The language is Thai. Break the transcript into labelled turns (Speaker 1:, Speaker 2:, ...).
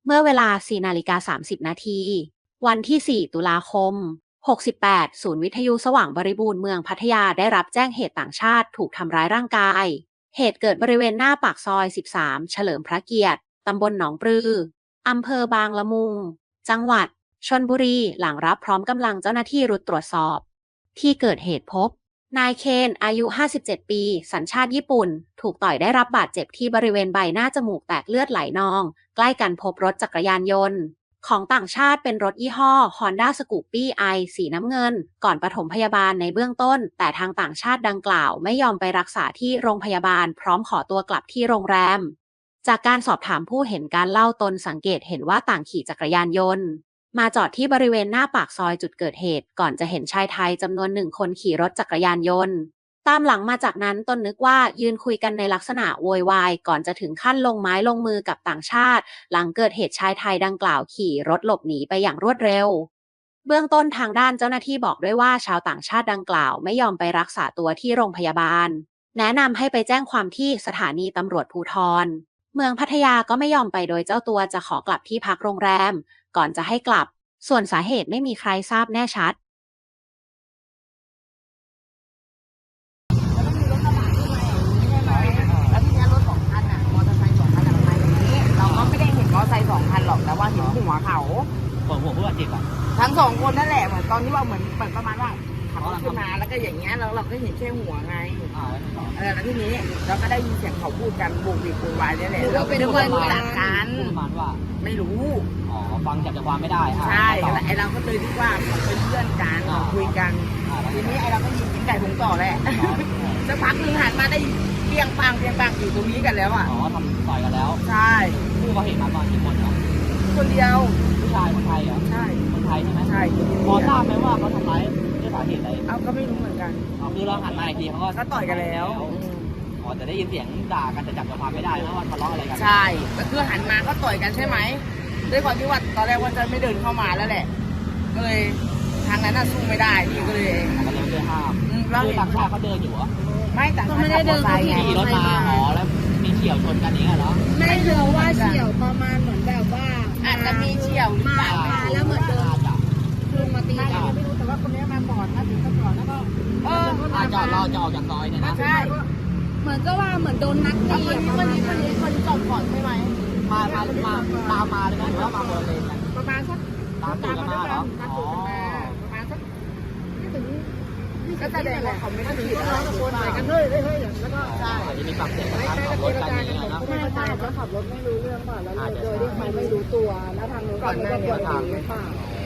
Speaker 1: เมื่อเวลา 4:30 นาทีวันที่ 4 ตุลาคม 68 ศูนย์วิทยุสว่างบริบูรณ์เมืองพัทยาได้รับแจ้งเหตุต่างชาติถูกทำร้ายร่างกาย เหตุเกิดบริเวณหน้าปากซอย 13 เฉลิมพระเกียรติ ตำบลหนองปลือ อำเภอบางละมุง จังหวัดชลบุรี หลังรับพร้อมกำลังเจ้าหน้าที่รุดตรวจสอบ ที่เกิดเหตุพบ นายเคนอายุ 57 ปี สัญชาติญี่ปุ่น ถูกต่อยได้รับบาดเจ็บที่บริเวณใบหน้าจมูกแตกเลือดไหลนอง ใกล้กันพบรถจักรยานยนต์ของต่างชาติเป็นรถยี่ห้อ Honda Scoopy i สีน้ำเงิน ก่อนปฐมพยาบาลในเบื้องต้น แต่ทางต่างชาติดังกล่าวไม่ยอมไปรักษาที่โรงพยาบาลพร้อมขอตัวกลับที่โรงแรม จากการสอบถามผู้เห็นการเล่าตนสังเกตเห็นว่าต่างขี่จักรยานยนต์มาจอดที่บริเวณหน้าปากซอยจุดเกิดเหตุก่อนจะเห็นชายไทยจำนวน1 คนขี่รถจักรยานยนต์ตามหลังมาจากนั้นตนนึกว่ายืนคุยกันในลักษณะโวยวายก่อนจะถึงขั้นลงไม้ลงมือกับต่างชาติหลังเกิดเหตุชายไทยดังกล่าวขี่รถหลบหนีไปอย่างรวดเร็วเบื้องต้นทางด้านเจ้าหน้าที่บอกด้วยว่าชาวต่างชาติดังกล่าวไม่ยอมไปรักษาตัวที่โรงพยาบาลแนะนำให้ไปแจ้งความที่สถานีตำรวจภูธรเมืองพัทยาก็ไม่ยอมไปโดยเจ้าตัวจะขอกลับที่พักโรงแรมก่อนจะให้กลับส่วนสาเหตุไม่มีใครทราบแน่ชัด
Speaker 2: แล้วทีนี้รถสองคันอ่ะมอเตอร์ไซค์สองคันอะมาอย่างนี้เราก็ไม่ได้เห็นมอเตอร์ไซค์สองคันหรอกแต่ว่าเห็นหัวเขา
Speaker 3: หัวผู้บาดเจ็บอ่ะ
Speaker 2: ทั้งสองคนนั่นแหละเหมือนตอนที่ว่าเหมือนประมาณว่าขับรถขึ้นมาแล้วก็อย่างเงี้ยเราก็เห็นแค่หัวไงแล้วทีนี้เราก็ได้ยินเสียงเขาพูดกันโบกบิดโวยวายนี่แหละเราเป็นคนรู้จักกัน
Speaker 3: ประมาณว่า
Speaker 2: ไม่รู้
Speaker 3: อ๋อฟังจากใจความไม่ได้
Speaker 2: ใช่ไอเราก็เลยคิดว่าเขาเป็นเพื่อนกันคุยกันทีนี้ไอเราก็ยิงไก่ถุงต่อแหละสักพักหนึ่งหันมาได้เปียงปังอยู่ตรงนี้กันแล้วอ่ะ
Speaker 3: อ๋อทำต่อยกันแล้ว
Speaker 2: ใช่
Speaker 3: ผู้ก่อเหตุมาตอนกี่คนเนาะ
Speaker 2: คนเดียว
Speaker 3: ผู้ชายคนไทยเหรอ
Speaker 2: ใช่
Speaker 3: คนไทยใช่ไหม
Speaker 2: ใช่
Speaker 3: พอทราบไหมว่าเขาทำร้ายด้วยสาเหตุอะไร
Speaker 2: เอาก็ไม่รู้เหมือนกัน
Speaker 3: คือเราหันมาอีกทีเขาก็
Speaker 2: ต่อยกันแล้ว
Speaker 3: อ๋อแต่ได้ยินเสียงด่ากันแต่จับใจความไม่ได้นะว่าทะเลาะอะไรกัน
Speaker 2: ใช่ก็คือหันมาก็ต่อยกันใช่ไหมด้วยความที่ว่าตอนแรกว่าจะไม่เดินเข้ามาแล้วแหละก็เลยทางนั้นน่ะสู้ไม่ได้นี่ก็เลย
Speaker 3: ก็เลยไม่ห้ามคือต่างชาติเขาเดินอยู่เหรอ
Speaker 2: ไม่ต่างชาติไม่ได้เดิน
Speaker 3: ขี่รถมาอ๋อแล้วมีเฉี่ยวชนกันนี้เหรอ
Speaker 4: ไม่รู้ว่าเฉี่ยวประมาณเหมือนแบบว่า
Speaker 2: อาจจะมีเฉี่ยว
Speaker 4: มาแล้วเหมือนโดนลุงมาตีกัน
Speaker 2: ไม่รู้แต่ว่าคนนี้มาก่อนนะถึงก่อนแล้วก็
Speaker 3: จอดรอจะออกจากซอยเนี่ยนะ
Speaker 2: ใช่
Speaker 4: เหมือนก็ว่าเหมือนโดนนัดตี
Speaker 2: คนนี้จอดก่อนใช่ไหม
Speaker 3: มาตามมาเลยนะหรือว่ามาเบอร์เลน
Speaker 2: ประมาณสัก
Speaker 3: ตามตูดกันมาเหรอ
Speaker 2: อ๋อประมาณสักไม่ถึงก็แสดงว่าเขาไม่ได้ผิดอะไรตะโกนใส่กันเฮ้ยแล้วก็ใช่
Speaker 3: จะมีปรับเสียงกันขับรถกันอย่างเงี้ยนะ
Speaker 4: ไม่ใช่เขาขับรถไม่รู้เรื่องป่ะแล้วโดยที่เขาไม่รู้ตัวแล้วทางนู้นก็ไม่ได้กดหรือเปล่า